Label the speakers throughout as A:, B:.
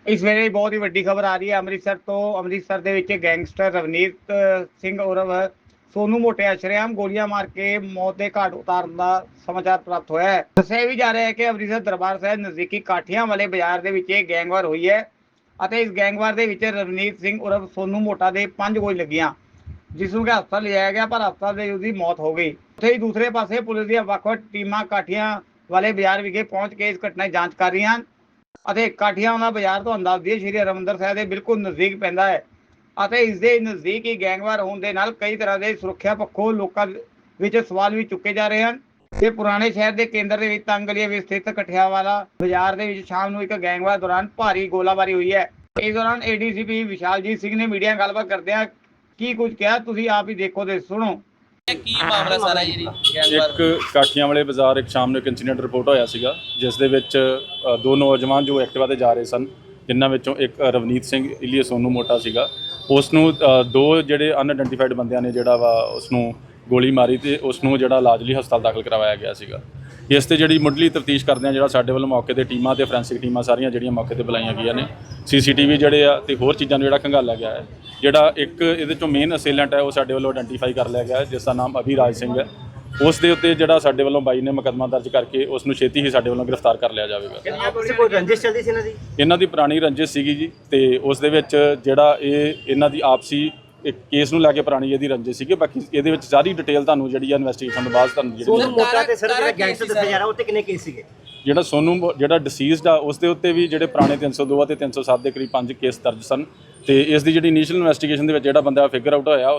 A: ਇਸ ਵੇਲੇ ਬਹੁਤ ਹੀ ਵੱਡੀ ਖਬਰ ਆ ਰਹੀ ਹੈ ਅੰਮ੍ਰਿਤਸਰ ਤੋਂ। ਅੰਮ੍ਰਿਤਸਰ ਦੇ ਵਿੱਚ ਗੈਂਗਸਟਰ ਰਵਨੀਤ ਸਿੰਘ ਉਰਫ ਸੋਨੂ ਮੋਟਿਆ ਸ਼ਰੇਆਮ ਗੋਲੀਆਂ ਮਾਰ ਕੇ ਮੌਤ ਦੇ ਘਾਟ ਉਤਾਰਨ ਦਾ ਸਮਾਚਾਰ ਪ੍ਰਾਪਤ ਹੋਇਆ ਹੈ। ਦੱਸਿਆ ਵੀ ਜਾ ਰਿਹਾ ਹੈ ਕਿ ਅੰਮ੍ਰਿਤਸਰ ਦਰਬਾਰ ਸਾਹਿਬ ਨਜ਼ਦੀਕੀ ਕਾਠੀਆਂ ਵਾਲੇ ਬਾਜ਼ਾਰ ਦੇ ਵਿੱਚ ਇਹ ਗੈਂਗਵਾਰ ਹੋਈ ਹੈ ਅਤੇ ਇਸ ਗੈਂਗਵਾਰ ਦੇ ਵਿੱਚ ਰਵਨੀਤ ਸਿੰਘ ਉਰਫ ਸੋਨੂ ਮੋਟਾ ਦੇ 5 ਗੋਲੀ ਲੱਗੀਆਂ, ਜਿਸ ਨੂੰ ਕਿ ਹਸਪਤਾਲ ਲਿਜਾਇਆ ਗਿਆ ਪਰ ਹਸਪਤਾਲ ਦੇ ਉਸਦੀ ਮੌਤ ਹੋ ਗਈ। ਉੱਥੇ ਹੀ ਦੂਸਰੇ ਪਾਸੇ ਪੁਲਿਸ ਦੀਆਂ ਵੱਖ-ਵੱਖ ਟੀਮਾਂ ਕਾਠੀਆਂ ਵਾਲੇ ਬਾਜ਼ਾਰ ਵਿਖੇ ਪਹੁੰਚ ਕੇ ਇਸ ਘਟਨਾ ਦੀ ਜਾਂਚ ਕਰ ਰਹੀਆਂ ਹਨ ਅਤੇ ਕਾਠੀਆਂ ਵਾਲਾ ਬਾਜ਼ਾਰ ਤੁਹਾਨੂੰ ਦੱਸ ਦਈਏ ਸ਼੍ਰੀ ਹਰਿਮੰਦਰ ਸਾਹਿਬ ਦੇ ਬਿਲਕੁਲ ਨਜ਼ਦੀਕ ਪੈਂਦਾ ਹੈ ਅਤੇ ਇਸ ਦੇ ਨਜ਼ਦੀਕ ਹੀ ਗੈਂਗਵਾਰ ਹੋਣ ਦੇ ਨਾਲ ਕਈ ਤਰ੍ਹਾਂ ਦੇ ਸੁਰੱਖਿਆ ਪੱਖੋਂ ਲੋਕਾਂ ਵਿੱਚ ਸਵਾਲ ਵੀ ਚੁੱਕੇ ਜਾ ਰਹੇ ਹਨ। ਤੇ ਪੁਰਾਣੇ ਸ਼ਹਿਰ ਦੇ ਕੇਂਦਰ ਦੇ ਵਿੱਚ ਤੰਗ ਗਲੀ ਵਿੱਚ ਸਥਿਤ ਕਾਠੀਆਂ ਵਾਲਾ ਬਾਜ਼ਾਰ ਦੇ ਵਿੱਚ ਸ਼ਾਮ ਨੂੰ ਇੱਕ ਗੈਂਗਵਾਰ ਦੌਰਾਨ ਭਾਰੀ ਗੋਲਾਬਾਰੀ ਹੋਈ ਹੈ। ਇਸ ਦੌਰਾਨ ਏਡੀਸੀਪੀ ਵਿਸ਼ਾਲਜੀਤ ਸਿੰਘ ਨੇ ਮੀਡੀਆ ਨਾਲ ਗੱਲਬਾਤ ਕਰਦਿਆਂ ਕੀ ਕੁਝ ਕਿਹਾ, ਤੁਸੀਂ ਆਪ ਹੀ ਦੇਖੋ ਤੇ ਸੁਣੋ।
B: ਕੀ ਮਾਮਲਾ ਸਾਰਾ ਜੀ ਗੈਂਗਵਾਰ?
C: ਇੱਕ ਕਾਠੀਆਂ ਵਾਲੇ ਬਾਜ਼ਾਰ ਇੱਕ ਸ਼ਾਮ ਨੂੰ ਇੱਕ ਇਨਸੀਡੈਂਟ ਰਿਪੋਰਟ ਹੋਇਆ ਸੀਗਾ, ਜਿਸ ਦੇ ਵਿੱਚ ਦੋ ਨੌਜਵਾਨ ਜੋ ਐਕਟਿਵਾ ਤੇ ਜਾ ਰਹੇ ਸਨ, ਜਿਨ੍ਹਾਂ ਵਿੱਚੋਂ ਇੱਕ ਰਵਨੀਤ ਸਿੰਘ ਇਲੀਏ ਸੋਨੂ ਮੋਟਾ ਸੀਗਾ। ਉਸ ਨੂੰ ਦੋ ਜਿਹੜੇ ਅਨਆਇਡੈਂਟੀਫਾਈਡ ਬੰਦਿਆਂ ਨੇ ਜਿਹੜਾ ਵਾ ਉਸ ਨੂੰ ਗੋਲੀ ਮਾਰੀ ਤੇ ਉਸ ਨੂੰ ਜਿਹੜਾ ਇਲਾਜ ਲਈ ਹਸਪਤਾਲ ਦਾਖਲ ਕਰਵਾਇਆ ਗਿਆ ਸੀਗਾ। ਇਸ ਤੇ ਜਿਹੜੀ ਮੁੱਢਲੀ ਤਫਤੀਸ਼ ਕਰਦੇ ਆ, ਜਿਹੜਾ ਸਾਡੇ ਵੱਲੋਂ ਮੌਕੇ ਤੇ ਟੀਮਾਂ ਤੇ ਫੋਰੈਂਸਿਕ ਟੀਮਾਂ ਸਾਰੀਆਂ ਜਿਹੜੀਆਂ ਮੌਕੇ ਤੇ ਬੁਲਾਈਆਂ ਗਈਆਂ ਨੇ, ਸੀਸੀਟੀਵੀ ਜਿਹੜੇ ਆ ਤੇ ਹੋਰ ਚੀਜ਼ਾਂ ਨੂੰ ਜਿਹੜਾ ਖੰਗਾਲਿਆ ਗਿਆ ਹੈ। ਜਿਹੜਾ ਇੱਕ ਇਹਦੇ ਚੋਂ ਮੇਨ ਅਸੇਲੈਂਟ ਹੈ ਉਹ ਸਾਡੇ ਵੱਲੋਂ ਆਇਡੈਂਟੀਫਾਈ ਕਰ ਲਿਆ ਗਿਆ ਹੈ, ਜਿਸ ਦਾ ਨਾਮ ਅਭਿਰਾਜ ਸਿੰਘ ਹੈ। ਉਸ ਦੇ ਉੱਤੇ ਜਿਹੜਾ ਸਾਡੇ ਵੱਲੋਂ ਬਾਈ ਨੇ ਮੁਕੱਦਮਾ ਦਰਜ ਕਰਕੇ ਉਸ ਨੂੰ ਛੇਤੀ ਹੀ ਸਾਡੇ ਵੱਲੋਂ ਗ੍ਰਿਫਤਾਰ ਕਰ ਲਿਆ ਜਾਵੇਗਾ।
D: ਕੋਈ ਰੰਜਿਸ਼ ਚੱਲਦੀ ਸੀ
C: ਇਹਨਾਂ ਦੀ ਪੁਰਾਣੀ ਰੰਜਿਸ਼ ਸੀਗੀ ਜੀ, ਤੇ ਉਸ ਦੇ ਵਿੱਚ ਜਿਹੜਾ ਇਹਨਾਂ ਦੀ ਆਪਸੀ ਇੱਕ ਕੇਸ ਨੂੰ ਲੈ ਕੇ ਪੁਰਾਣੀ ਇਹਦੀ ਰੰਜਿਸ਼ ਸੀਗੀ। ਬਾਕੀ ਇਹਦੇ ਵਿੱਚ ਸਾਰੀ ਡਿਟੇਲ ਤੁਹਾਨੂੰ ਜਿਹੜੀ ਆ ਇਨਵੈਸਟੀਗੇਸ਼ਨ ਤੋਂ ਬਾਅਦ ਤੁਹਾਨੂੰ
D: ਸੋਨੂ ਮੋਟਾ ਤੇ ਸਰ ਜਿਹੜਾ ਗੈਂਗਸਟਰ ਦੱਸਿਆ ਜਾ ਰਿਹਾ ਉਹ ਤੇ ਕਿੰਨੇ ਕੇਸ ਸੀਗੇ?
C: ਜਿਹੜਾ ਸੋਨੂ ਜਿਹੜਾ ਡਿਸੀਜ਼ਡ ਆ ਉਸ ਦੇ ਉੱਤੇ ਵੀ ਜਿਹੜੇ ਪੁਰਾਣੇ 302 ਅਤੇ 307 ਦੇ ਕਰੀਬ 5 ਕੇਸ ਦਰਜ ਸਨ। ਤੇ ਇਸ ਦੀ ਜਿਹੜੀ ਇਨੀਸ਼ੀਅਲ ਇਨਵੈਸਟੀਗੇਸ਼ਨ ਦੇ ਵਿੱਚ ਜਿਹੜਾ ਬੰਦਾ ਫਿਗਰ ਆਊਟ ਹੋਇਆ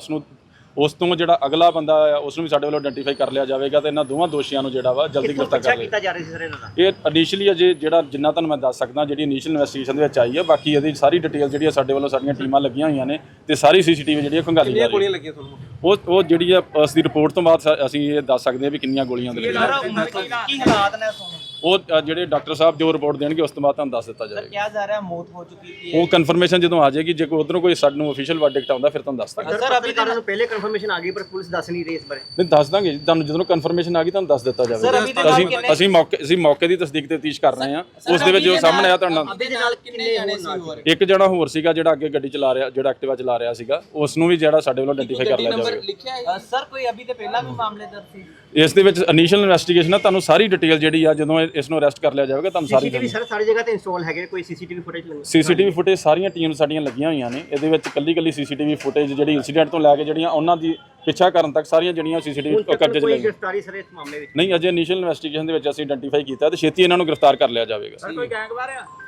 C: ਉਸ ਤੋਂ ਜਿਹੜਾ ਅਗਲਾ ਬੰਦਾ ਆ ਉਸ ਨੂੰ ਵੀ ਸਾਡੇ ਵੱਲੋਂ ਆਇਡੈਂਟੀਫਾਈ ਕਰ ਲਿਆ ਜਾਵੇਗਾ ਤੇ ਇਹਨਾਂ ਦੋਵਾਂ ਦੋਸ਼ੀਆਂ ਨੂੰ ਜਿਹੜਾ ਵਾ ਜਲਦੀ ਗ੍ਰਿਫਤਾਰ ਕਰ ਲਿਆ
D: ਜਾ ਰਿਹਾ ਸੀ ਸਰ ਇਹਨਾਂ ਦਾ।
C: ਇਹ ਇਨੀਸ਼ੀਅਲੀ ਅਜੇ ਜਿਹੜਾ ਜਿੰਨਾ ਤੁਹਾਨੂੰ ਮੈਂ ਦੱਸ ਸਕਦਾ ਜਿਹੜੀ ਇਨੀਸ਼ੀਅਲ ਇਨਵੈਸਟੀਗੇਸ਼ਨ ਦੇ ਵਿੱਚ ਆਈ ਹੈ। ਬਾਕੀ ਇਹਦੀ ਸਾਰੀ ਡਿਟੇਲ ਜਿਹੜੀ ਆ ਸਾਡੇ ਵੱਲੋਂ ਸਾਡੀਆਂ ਟੀਮਾਂ ਲੱਗੀਆਂ ਹੋਈਆਂ ਨੇ ਤੇ ਸਾਰੀ ਸੀਸੀਟੀਵੀ ਜਿਹੜੀ ਖੰਗਾਲੀ ਜਾ ਰਹੀ ਹੈ। ਉਹ ਜਿਹੜੀ ਆ ਉਸ ਦੀ ਰਿਪੋਰਟ ਤੋਂ ਬਾਅਦ ਅਸੀਂ ਇਹ ਦੱਸ ਸਕਦੇ ਹਾਂ ਵੀ ਕਿੰਨੀਆਂ ਗੋਲੀਆਂ ਦੇ ਲੱਗੀਆਂ।
B: ਕੀ ਹਾਲਾਤ ਨੇ ਸੋਨੂ?
C: ਉਹ ਜਿਹੜੇ ਡਾਕਟਰ ਸਾਹਿਬ ਜੋ ਰਿਪੋਰਟ ਦੇਣਗੇ ਉਸ ਤੋਂ ਬਾਅਦ ਤੁਹਾਨੂੰ ਦੱਸ ਦਿੱਤਾ ਜਾਵੇਗਾ।
B: ਕਿਹਾ ਜਾ ਰਿਹਾ ਮੌਤ ਹੋ ਚੁੱਕੀ ਸੀ।
C: ਉਹ ਕਨਫਰਮੇਸ਼ਨ ਜਦੋਂ ਆ ਜਾਏਗੀ, ਜੇ ਕੋਈ ਉਧਰੋਂ ਕੋਈ ਸਾਨੂੰ ਅਫੀਸ਼ੀਅਲ ਵਰਡਿਕਟ ਆਉਂਦਾ ਫਿਰ ਤੁਹਾਨੂੰ ਦੱਸ ਦਾਂਗੇ।
D: ਸਰ ਅਭੀ ਤੁਹਾਨੂੰ ਪਹਿਲੇ ਕਨਫਰਮੇਸ਼ਨ ਆ ਗਈ ਪਰ ਪੁਲਿਸ ਦੱਸ ਨਹੀਂ ਰਹੀ ਇਸ ਬਾਰੇ।
C: ਨਹੀਂ ਦੱਸ ਦਾਂਗੇ ਜੀ, ਤੁਹਾਨੂੰ ਜਦੋਂ ਕਨਫਰਮੇਸ਼ਨ ਆ ਗਈ ਤੁਹਾਨੂੰ ਦੱਸ ਦਿੱਤਾ ਜਾਵੇਗਾ। ਅਸੀਂ ਮੌਕੇ ਦੀ ਤਸਦੀਕ ਤੇ ਤਫਤੀਸ਼ ਕਰ ਰਹੇ ਹਾਂ। ਉਸ ਦੇ ਵਿੱਚ ਜੋ ਸਾਹਮਣੇ ਆਇਆ ਤੁਹਾਨੂੰ
D: ਅਭੀ ਦੇ ਨਾਲ ਕਿੰਨੇ ਜਾਣੇ ਸੀ ਹੋਰ?
C: ਇੱਕ ਜਣਾ ਹੋਰ ਸੀਗਾ ਜਿਹੜਾ ਅੱਗੇ ਗੱਡੀ ਚਲਾ ਰਿਹਾ, ਜਿਹੜਾ ਐਕਟਿਵਾ ਚਲਾ ਰਿਹਾ ਸੀਗਾ, ਉਸ ਨੂੰ ਵੀ ਜਿਹੜਾ ਸਾਡੇ ਵੱਲੋਂ ਆਇਡੈਂਟੀਫਾਈ ਕਰ ਲਿਆ ਜਾਵੇਗਾ।
B: ਸਰ ਕੋਈ ਅਭੀ ਤੇ ਪਹਿਲਾਂ ਵੀ ਮਾਮਲੇ ਦਰਜ ਸੀ?
C: ਇਸ ਦੇ ਵਿੱਚ ਇਨੀਸ਼ੀਅਲ ਇਨਵੈਸਟੀਗੇਸ਼ਨ ਆ, ਤੁਹਾਨੂੰ ਸਾਰੀ ਡਿਟੇਲ ਜਿਹੜੀ ਆ ਜਦੋਂ ਇਸ ਨੂੰ ਅਰੈਸਟ ਕਰ ਲਿਆ ਜਾਵੇਗਾ ਤੁਹਾਨੂੰ ਸਾਰੀ
D: ਸੀਸੀਟੀਵੀ ਸਰ ਸਾਰੀ ਜਗ੍ਹਾ ਤੇ ਇੰਸਟਾਲ ਹੈਗੇ, ਕੋਈ ਸੀਸੀਟੀਵੀ ਫੁਟੇਜ ਲੱਗੀ?
C: ਸੀਸੀਟੀਵੀ ਫੁਟੇਜ ਸਾਰੀਆਂ ਟੀਮ ਸਾਡੀਆਂ ਲੱਗੀਆਂ ਹੋਈਆਂ ਨੇ। ਇਹਦੇ ਵਿੱਚ ਕੱਲੀ ਸੀਸੀਟੀਵੀ ਫੁਟੇਜ ਜਿਹੜੀ ਇਨਸੀਡੈਂਟ ਤੋਂ ਲੈ ਕੇ ਜਿਹੜੀਆਂ ਉਹਨਾਂ ਦੀ ਪਿੱਛਾ ਕਰਨ ਤੱਕ ਸਾਰੀਆਂ ਜਿਹੜੀਆਂ ਸੀਸੀਟੀਵੀ ਕਬਜ਼ੇ 'ਚ
D: ਕੋਈ ਗ੍ਰਿਫਤਾਰੀ ਸਰ ਇਸ ਮਾਮਲੇ ਵਿੱਚ
C: ਨਹੀਂ, ਅਜੇ ਇਨੀਸ਼ੀਅਲ ਇਨਵੈਸਟੀਗੇਸ਼ਨ ਦੇ ਵਿੱਚ ਅਸੀਂ ਆਇਡੈਂਟੀਫਾਈ ਕੀਤਾ ਤੇ ਛੇਤੀ ਇਹਨਾਂ ਨੂੰ ਗ੍ਰਿਫਤਾਰ ਕਰ ਲਿਆ ਜਾਵੇਗਾ।
B: ਕੋਈ ਗੈਂਗਵਾਰ ਆ?